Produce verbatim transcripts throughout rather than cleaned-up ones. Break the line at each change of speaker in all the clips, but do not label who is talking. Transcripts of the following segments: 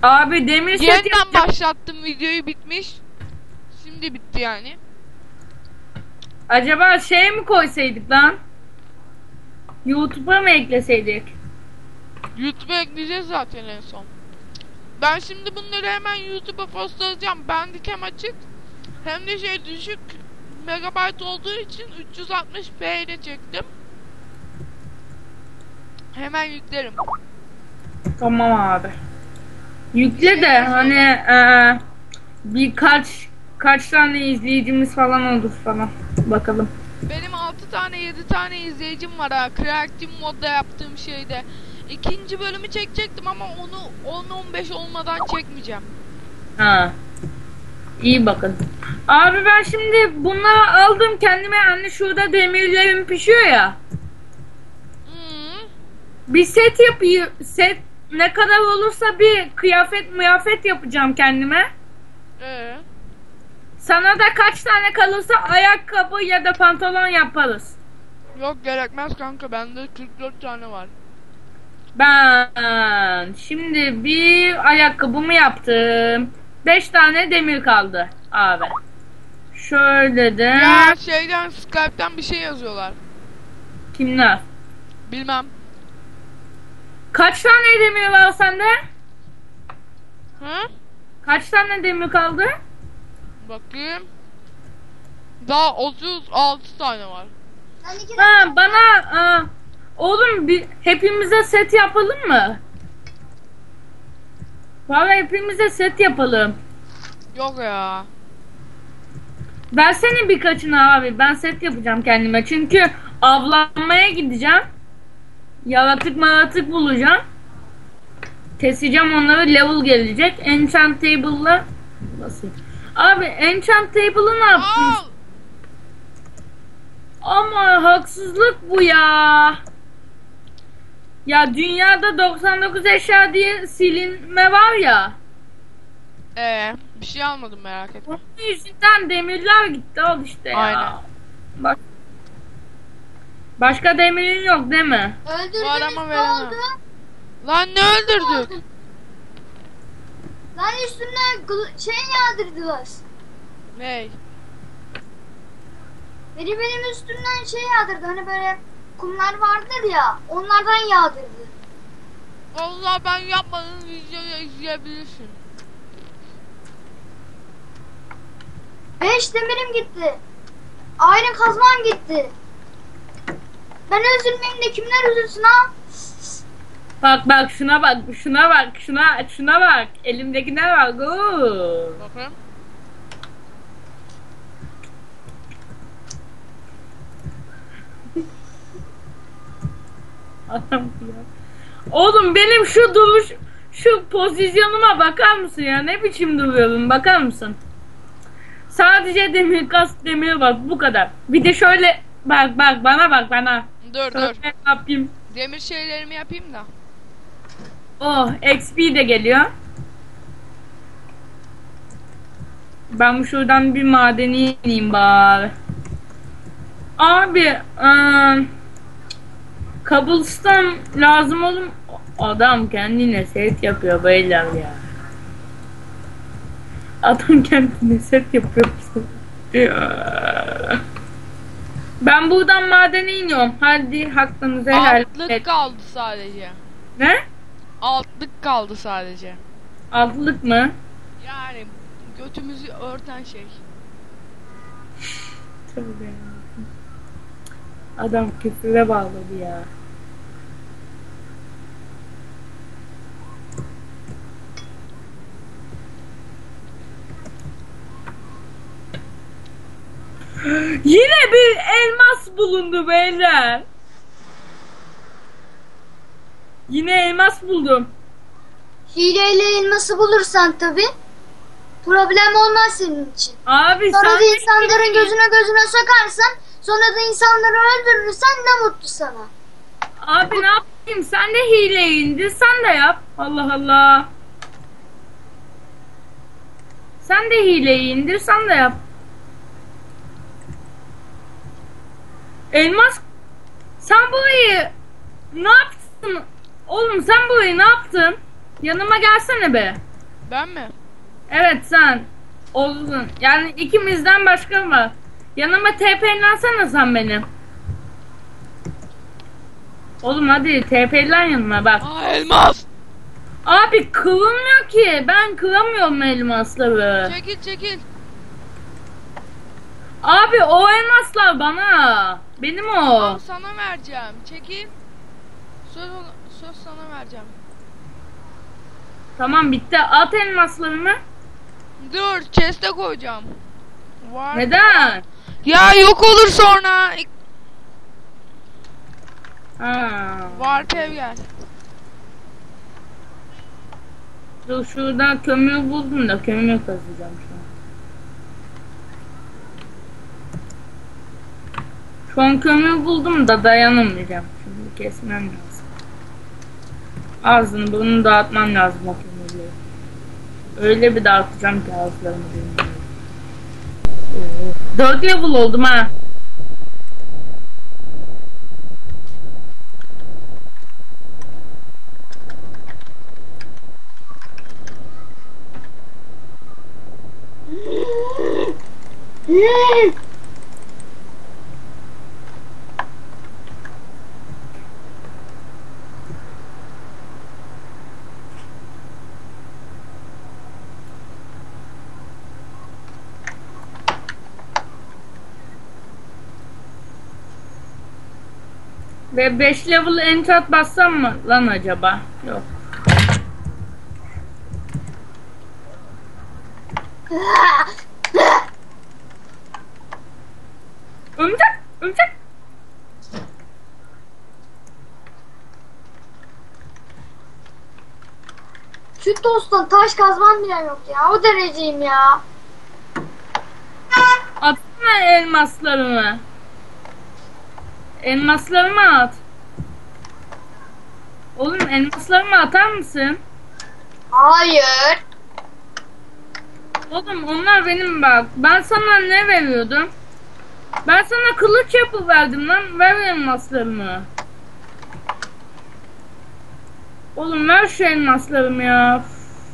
Abi demir set
Yeniden
yapacağım.
başlattım, videoyu bitmiş. Şimdi bitti yani.
Acaba şey mi koysaydık lan? YouTube'a mı ekleseydik?
YouTube'a ekleyeceğiz zaten en son. Ben şimdi bunları hemen YouTube'a postlayacağım. Bandicam açık. Hem de şey düşük megabayt olduğu için üç yüz altmış p ile çektim. Hemen yüklerim.
Tamam abi. Yükle de hani eee birkaç kaç tane izleyicimiz falan olur falan. Bakalım.
Benim altı tane yedi tane izleyicim var ha. Creative modda yaptığım şeyde. İkinci bölümü çekecektim ama onu on on beş olmadan çekmeyeceğim.
Ha. İyi bakın. Abi ben şimdi bunları aldım kendime, hani şurada demirlerim pişiyor ya.
Hmm.
Bir set yapayım. Set ne kadar olursa bir kıyafet mıyafet yapacağım kendime.
Ee.
Sana da kaç tane kalırsa ayakkabı ya da pantolon yaparız.
Yok gerekmez kanka, bende kırk dört tane var.
Ben şimdi bir ayakkabımı yaptım. beş tane demir kaldı abi. Şöyle de.
Ya şeyden, Skype'den bir şey yazıyorlar.
Kimler?
Bilmem.
Kaç tane demir var sende?
Hı?
Kaç tane demir kaldı?
Bakayım. Daha otuz altı tane var.
Ha bana aa, oğlum bir, hepimize set yapalım mı? Vallahi hepimize set yapalım.
Yok ya.
Versene birkaçını abi. Ben set yapacağım kendime. Çünkü avlanmaya gideceğim. Yaratık maratık bulacağım. Keseceğim onları, level gelecek. Enchant table'la nasıl? Abi enchant table'ı ne yaptın?
Al.
Ama haksızlık bu ya. Ya dünyada doksan dokuz eşya diye silinme var ya.
Ee, bir şey almadım, merak etme.
Onun yüzünden demirler gitti, al işte ya.
Aynen.
Bak. Başka demirin yok değil mi?
Öldürdünüz,
Var ama
ne
veremem.
oldu?
Lan ne öldürdük?
Lan üstüne gl- şey yağdırdılar.
Ney?
Biri benim üstümden şey yağdırdı. Hani böyle kumlar vardır ya. Onlardan yağdırdı.
Vallahi ben yapmadım, videoyu izleyebilirsin.
Beş demirim gitti. Aynı kazmam gitti. Ben üzülmeyeyim de kimler üzülsün ha?
Bak bak şuna bak, şuna bak, şuna şuna bak. Elimdekiler var. Oo.
Bakın.
Adam ya. Oğlum benim şu duruş, şu pozisyonuma bakar mısın ya? Ne biçim duruyorum, bakar mısın? Sadece demir kas, demir var, bu kadar. Bir de şöyle bak bak bana bak bana.
Dur
Şöyle
dur.
yapayım.
Demir şeylerimi yapayım da.
Oh, X P de geliyor. Ben bu şuradan bir madeni ineyim bari. Abi, ıı, cobblestone lazım oğlum. Adam kendine set yapıyor beyler ya. Adam kendine set yapıyor. Ben buradan madene iniyorum. Hadi hakkınızı helal
Altlık
et.
kaldı sadece.
Ne?
Altlık kaldı sadece.
Altlık mı?
Yani götümüzü örten şey.
Tövbe ya. Adam küfüre bağladı ya. Yine bir elmas bulundu beyler. Yine elmas buldum.
Hileyle elması bulursan tabi problem olmaz senin için.
Abi
Sonra
sen
da insanların gözüne gözüne sokarsan, sonra da insanları öldürürsen ne mutlu sana.
Abi ne yapayım? Sen de hile indir. Sen de yap. Allah Allah. Sen de hileyi indir. Sen de yap. Elmas, sen burayı ne yaptın? Oğlum sen burayı ne yaptın? Yanıma gelsene be.
Ben mi?
Evet sen. Olsun. Yani ikimizden başka var. Yanıma T P'lensene sen benim. Oğlum hadi T P'len yanıma bak.
Aa elmas.
Abi kırılmıyor ki. Ben kıramıyorum elmasları.
Çekil çekil.
Abi o elmaslar bana. Benim o.
Tamam sana vereceğim. Çekil. Söz, söz sana vereceğim.
Tamam bitti. At elmaslarımı.
Dur chest'e koyacağım. Var.
Neden?
Ya yok olur sonra.
Ha.
Warp ev gel.
Dur şurada kömür buldum da kömür kazacağım şu an. Şu an kömür buldum da dayanamayacağım. Şimdi kesmem lazım. Ağzını burnunu dağıtmam lazım o kömürleri. Öyle bir dağıtacağım ki ağızlarını bilmiyorum. Dört level oldum ha. Ve beş level enchant bassam mı lan acaba? Yok. Örümcek, örümcek.
Şu tosttan taş kazman bile yok ya. O dereceyim ya.
Atsana elmaslarımı. Elmaslarımı at. Oğlum elmaslarımı atar mısın?
Hayır.
Oğlum onlar benim bak. Ben sana ne veriyordum? Ben sana kılıç yapıverdim lan. Ver elmaslarımı. Oğlum ver şu elmaslarımı ya.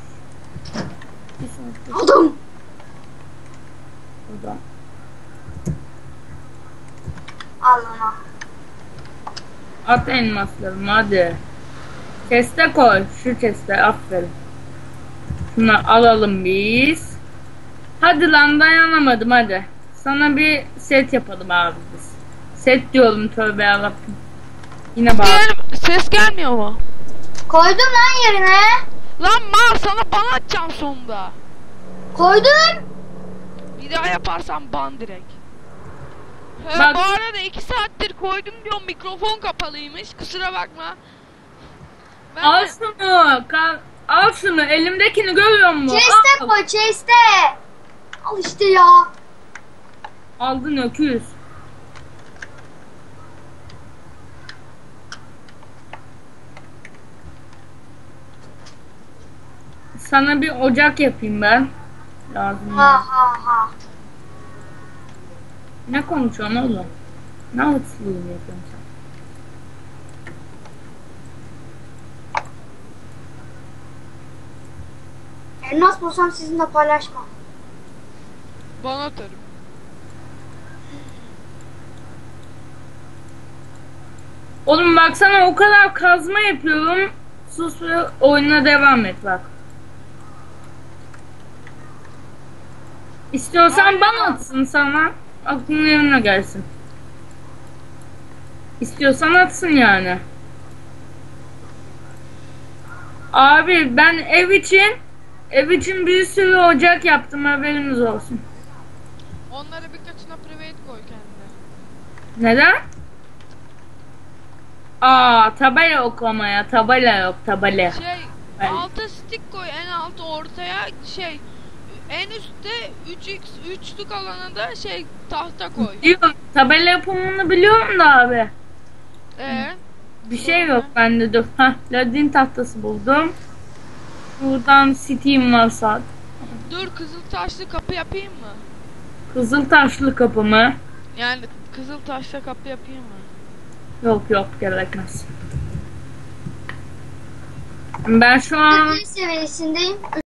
Aldım.
Burada.
Al ona.
At elmaslarımı hadi. Chest'e koy. Şu chest'e aferin. Şunu alalım biz. Hadi lan dayanamadım hadi. Sana bir set yapalım abi biz. Set diyorum tövbe yarabbim. Yine bak.
Gel, ses gelmiyor mu?
Koydum lan yerine.
Lan mal sana ban atacağım sonunda.
Koydum.
Bir daha yaparsan ban direkt. He,
Bak-
bu arada iki saattir koydum diyorum mikrofon kapalıymış. Kusura bakma. Ben
Al
de-
şunu. Ka- al şunu. Elimdekini görüyor musun?
Chest'e
Al.
koy chest'e. Al işte ya.
Aldın öküz. Sana bir ocak yapayım ben. Lazım.
Ha ha ha.
Ne konuşuyorsun oğlum? Ne hırsızlığını yapıyorsun sen?
Elmas bulsam sizinle paylaşmam.
ban atarım.
Oğlum baksana o kadar kazma yapıyorum. Sus ve oyuna devam et bak. İstiyorsan
Aynen.
bana atsın sana. Aklının yerine gelsin. İstiyorsan atsın yani. Abi ben ev için ev için bir sürü ocak yaptım haberiniz olsun.
Onları birkaçına private koy kendine.
Neden? Aa tabela oklamaya tabela yok tabela.
Şey
Ben-
alta stick koy en alt ortaya şey en üstte üç x üçlük alana da şey tahta koy.
Diyorum tabela yapımını biliyorum da abi.
Ee,
Bir şey yok bende dur. Hah ladin tahtası buldum. Buradan Steam varsa
dur kızıl taşlı kapı yapayım mı?
kızıl taşlı kapı mı?
Yani kızıl taşla kapı yapayım mı?
Yok yok gerekmez. Ben şu an
Bir seviyesindeyim.